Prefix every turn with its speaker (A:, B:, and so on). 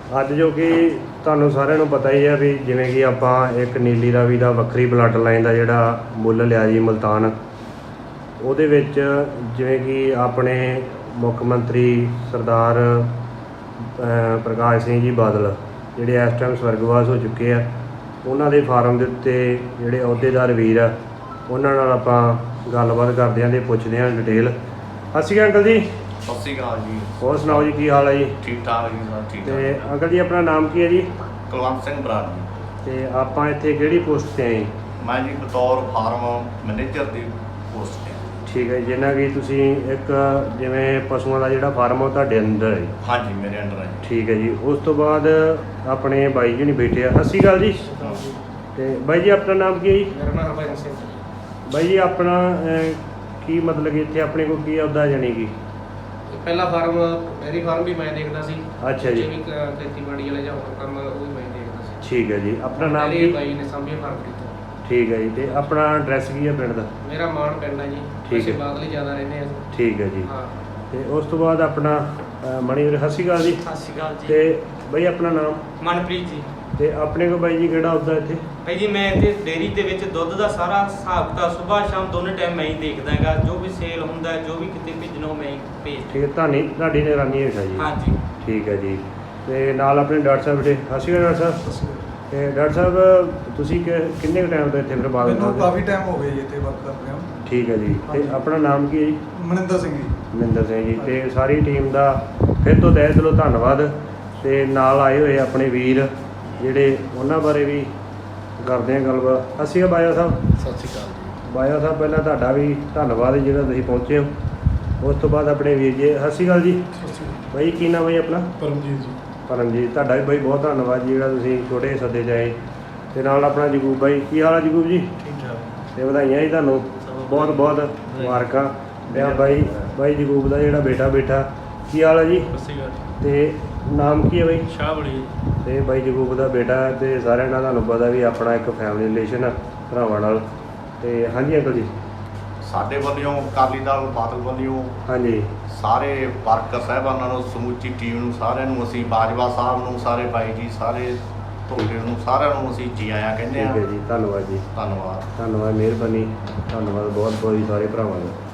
A: ਅੱਜ ਜੋ ਕਿ ਤੁਹਾਨੂੰ ਸਾਰਿਆਂ ਨੂੰ ਪਤਾ ਹੀ ਹੈ ਵੀ ਜਿਵੇਂ ਕਿ ਆਪਾਂ ਇੱਕ ਨੀਲੀ ਰਾਵੀ ਦਾ ਵੱਖਰੀ ਬਲੱਡ ਲਾਈਨ ਦਾ ਜਿਹੜਾ ਮੁੱਲ ਲਿਆ ਜੀ ਮੁਲਤਾਨ, ਉਹਦੇ ਵਿੱਚ ਜਿਵੇਂ ਕਿ ਆਪਣੇ ਮੁੱਖ ਮੰਤਰੀ ਸਰਦਾਰ ਪ੍ਰਕਾਸ਼ ਸਿੰਘ ਜੀ ਬਾਦਲ ਜਿਹੜੇ ਇਸ ਟਾਈਮ ਸਵਰਗਵਾਸ ਹੋ ਚੁੱਕੇ ਆ, ਉਹਨਾਂ ਦੇ ਫਾਰਮ ਦੇ ਉੱਤੇ ਜਿਹੜੇ ਅਹੁਦੇਦਾਰ ਵੀਰ ਆ ਉਹਨਾਂ ਨਾਲ ਆਪਾਂ ਗੱਲਬਾਤ ਕਰਦੇ ਹਾਂ ਅਤੇ ਪੁੱਛਦੇ ਹਾਂ ਡਿਟੇਲ। ਸਤਿ ਸ਼੍ਰੀ ਅਕਾਲ ਅੰਕਲ ਜੀ।
B: ਸਤਿ ਸ਼੍ਰੀ ਅਕਾਲ ਜੀ।
A: ਹੋਰ ਸੁਣਾਓ ਜੀ, ਕੀ ਹਾਲ ਹੈ ਜੀ?
B: ਠੀਕ ਠਾਕ ਜੀ, ਸਭ ਠੀਕ
A: ਅਤੇ
B: ਠਾਕ।
A: ਅੰਕਲ ਜੀ ਆਪਣਾ ਨਾਮ ਕੀ ਹੈ ਜੀ?
B: ਕੁਲਵੰਤ ਸਿੰਘ ਬਰਾੜ ਜੀ।
A: ਅਤੇ ਆਪਾਂ ਇੱਥੇ ਕਿਹੜੀ ਪੋਸਟ 'ਤੇ ਆਏ?
B: ਮੈਂ ਜੀ ਬਤੌਰ ਫਾਰਮ ਮੈਨੇਜਰ ਦੀ ਪੋਸਟ ਤੇ।
A: ਠੀਕ ਹੈ, ਜਿੰਨਾ ਕਿ ਤੁਸੀਂ ਇੱਕ ਜਿਵੇਂ ਪਸ਼ੂਆਂ ਦਾ ਜਿਹੜਾ ਫਾਰਮ ਉਹ ਤੁਹਾਡੇ ਅੰਦਰ ਹੈ?
B: ਹਾਂਜੀ, ਮੇਰੇ ਅੰਡਰ ਹੈ।
A: ਠੀਕ ਹੈ ਜੀ। ਉਸ ਤੋਂ ਬਾਅਦ ਆਪਣੇ ਬਾਈ ਜੀ ਨਹੀਂ ਬੈਠੇ ਆ। ਸਤਿ ਸ਼੍ਰੀ ਅਕਾਲ ਜੀ। ਅਤੇ ਬਾਈ ਜੀ ਆਪਣਾ ਨਾਮ ਕੀ ਹੈ ਜੀ?
C: ਮੇਰਾ ਨਾਮ ਹਰਭਜਨ ਸਿੰਘ।
A: ਬਾਈ ਜੀ ਆਪਣਾ ਕੀ ਮਤਲਬ ਕਿ ਇੱਥੇ ਆਪਣੇ ਕੋਲ ਕੀ ਅਹੁਦਾ ਜਾਣੀ ਕਿ?
C: ਪਹਿਲਾ ਫਾਰਮ ਡੇਅਰੀ ਫਾਰਮ ਵੀ ਮੈਂ ਦੇਖਦਾ ਸੀ।
A: ਅੱਛਾ ਜੀ।
C: ਵੀ ਖੇਤੀਬਾੜੀ ਵਾਲੇ ਜਾਂ ਹੋਰ ਕੰਮ ਉਹ ਵੀ ਮੈਂ ਦੇਖਦਾ ਸੀ।
A: ਠੀਕ ਹੈ ਜੀ। ਆਪਣਾ ਨਾਮ
C: ਡੇਅਰੀ
A: ਕੀ?
C: ਬਾਈ ਨੇ ਸਾਂਭੀ ਫਾਰਮ ਕੀਤਾ।
A: ਠੀਕ ਹੈ ਜੀ। ਅਤੇ ਆਪਣਾ ਐਡਰੈਸ ਕੀ ਹੈ ਪਿੰਡ ਦਾ?
C: ਮੇਰਾ ਮਾਣ ਪਿੰਡ ਹੈ ਜੀ।
A: ਠੀਕ
C: ਅਸੀਂ
A: ਹੈ।
C: ਬਾਦਲ ਹੀ ਜ਼ਿਆਦਾ ਰਹਿੰਦੇ ਹਾਂ।
A: ਠੀਕ ਹੈ ਜੀ।
C: ਹਾਂ।
A: ਅਤੇ ਉਸ ਤੋਂ ਬਾਅਦ ਆਪਣਾ ਮਣੀ ਵੀਰ, ਸਤਿ ਸ਼੍ਰੀ ਅਕਾਲ ਜੀ।
D: ਸਤਿ ਸ਼੍ਰੀ ਅਕਾਲ ਜੀ।
A: ਅਤੇ ਬਾਈ ਆਪਣਾ ਨਾਮ?
D: ਮਨਪ੍ਰੀਤ ਜੀ।
A: ਅਤੇ ਆਪਣੇ ਕੋਲ ਬਾਈ ਜੀ ਕਿਹੜਾ ਅਹੁਦਾ ਇੱਥੇ?
D: ਭਾਈ ਜੀ ਮੈਂ ਇੱਥੇ ਡੇਅਰੀ ਦੇ ਵਿੱਚ ਦੁੱਧ ਦਾ ਸਾਰਾ ਹਿਸਾਬ ਕਿਤਾਬ ਸਵੇਰ ਸ਼ਾਮ ਦੋਨੇ ਟਾਈਮ ਮੈਂ ਹੀ ਦੇਖਦਾ ਹੈਗਾ। ਜੋ ਵੀ ਸੇਲ ਹੁੰਦਾ ਹੈ, ਜੋ ਵੀ ਕਿਤੇ ਭੇਜਣਾ ਉਹ ਮੈਂ ਹੀ ਭੇਜ।
A: ਠੀਕ ਹੈ, ਤੁਹਾਡੀ ਨਿਗਰਾਨੀ ਹੇਠ ਹੈ ਜੀ?
D: ਹਾਂਜੀ।
A: ਠੀਕ ਹੈ ਜੀ। ਅਤੇ ਨਾਲ ਆਪਣੇ ਡਾਕਟਰ ਸਾਹਿਬ ਬੈਠੇ। ਸਤਿ ਸ਼੍ਰੀ ਅਕਾਲ ਡਾਕਟਰ ਸਾਹਿਬ। ਅਤੇ ਡਾਕਟਰ ਸਾਹਿਬ ਤੁਸੀਂ ਕਿੰਨੇ ਕੁ ਟਾਈਮ ਤੋਂ ਇੱਥੇ ਫਿਰ ਬਾਦਲ
E: ਮੈਨੂੰ ਕਾਫੀ ਟਾਈਮ ਹੋ ਗਿਆ ਜੀ ਇੱਥੇ ਵਰਕ ਕਰ ਰਿਹਾ।
A: ਠੀਕ ਹੈ ਜੀ। ਅਤੇ ਆਪਣਾ ਨਾਮ ਕੀ ਹੈ ਜੀ?
E: ਮਨਿੰਦਰ ਸਿੰਘ ਜੀ।
A: ਮਨਿੰਦਰ ਸਿੰਘ ਜੀ। ਅਤੇ ਸਾਰੀ ਟੀਮ ਦਾ ਫਿਰ ਤੋਂ ਤਹਿ ਦਿਲੋਂ ਧੰਨਵਾਦ। ਅਤੇ ਨਾਲ ਆਏ ਹੋਏ ਆਪਣੇ ਵੀਰ ਜਿਹੜੇ ਉਹਨਾਂ ਬਾਰੇ ਵੀ ਕਰਦੇ ਹਾਂ ਗੱਲਬਾਤ। ਸਤਿ ਸ਼੍ਰੀ ਅਕਾਲ ਬਾਇਆ ਸਾਹਿਬ।
E: ਸਤਿ ਸ਼੍ਰੀ ਅਕਾਲ ਜੀ।
A: ਬਾਇਆ ਸਾਹਿਬ ਪਹਿਲਾਂ ਤੁਹਾਡਾ ਵੀ ਧੰਨਵਾਦ ਜਿਹੜਾ ਤੁਸੀਂ ਪਹੁੰਚੇ ਹੋ। ਉਸ ਤੋਂ ਬਾਅਦ ਆਪਣੇ ਵੀਰ ਜੀ, ਸਤਿ ਸ਼੍ਰੀ ਅਕਾਲ ਜੀ।
E: ਸਤਿ ਸ਼੍ਰੀ ਅਕਾਲ।
A: ਬਾਈ ਕੀ ਨਾਮ ਹੈ ਜੀ ਆਪਣਾ?
E: ਪਰਮਜੀਤ ਜੀ।
A: ਪਰਮਜੀਤ, ਤੁਹਾਡਾ ਵੀ ਬਾਈ ਬਹੁਤ ਧੰਨਵਾਦ ਜੀ ਜਿਹੜਾ ਤੁਸੀਂ ਛੋਟੇ ਸੱਦੇ 'ਚ ਆਏ। ਅਤੇ ਨਾਲ ਆਪਣਾ ਜਗੂਬ ਬਾਈ, ਕੀ ਹਾਲ ਹੈ ਜਗੂਬ ਜੀ?
E: ਠੀਕ ਠਾਕ।
A: ਅਤੇ ਵਧਾਈਆਂ ਜੀ ਤੁਹਾਨੂੰ, ਬਹੁਤ ਬਹੁਤ ਮੁਬਾਰਕਾਂ। ਅਤੇ ਬਾਈ ਜਗੂਬ ਦਾ ਜਿਹੜਾ ਬੇਟਾ ਕੀ ਹਾਲ ਹੈ ਜੀ?
E: ਸਤਿ ਸ਼੍ਰੀ ਅਕਾਲ।
A: ਅਤੇ ਨਾਮ ਕੀ ਹੈ ਬਾਈ?
E: ਸ਼ਾਹ ਬੜੀ।
A: ਅਤੇ ਬਾਈ ਜਗੂਬ ਦਾ ਬੇਟਾ ਅਤੇ ਸਾਰਿਆਂ ਨਾਲ ਤੁਹਾਨੂੰ ਪਤਾ ਵੀ ਆਪਣਾ ਇੱਕ ਫੈਮਿਲੀ ਰਿਲੇਸ਼ਨ ਆ ਭਰਾਵਾਂ ਨਾਲ। ਅਤੇ ਹਾਂਜੀ ਅੰਕਲ ਜੀ।
B: ਸਾਡੇ ਵੱਲੋਂ ਅਕਾਲੀ ਦਲ ਬਾਦਲ ਵੱਲੋਂ
A: ਹਾਂਜੀ।
B: ਸਾਰੇ ਵਰਕਰ ਸਾਹਿਬਾਨਾਂ ਨੂੰ, ਸਮੁੱਚੀ ਟੀਮ ਨੂੰ, ਸਾਰਿਆਂ ਨੂੰ ਅਸੀਂ, ਬਾਜਵਾ ਸਾਹਿਬ ਨੂੰ, ਸਾਰੇ ਬਾਈ ਜੀ, ਸਾਰੇ ਤੁਹਾਡੇ ਨੂੰ, ਸਾਰਿਆਂ ਨੂੰ ਅਸੀਂ ਜੀ ਆਇਆਂ ਕਹਿੰਦੇ
A: ਠੀਕ
B: ਹਾਂ।
A: ਹੈ ਜੀ। ਧੰਨਵਾਦ ਜੀ।
B: ਧੰਨਵਾਦ।
A: ਧੰਨਵਾਦ, ਮਿਹਰਬਾਨੀ, ਧੰਨਵਾਦ ਬਹੁਤ ਬਹੁਤ ਜੀ ਸਾਰੇ ਭਰਾਵਾਂ ਦਾ।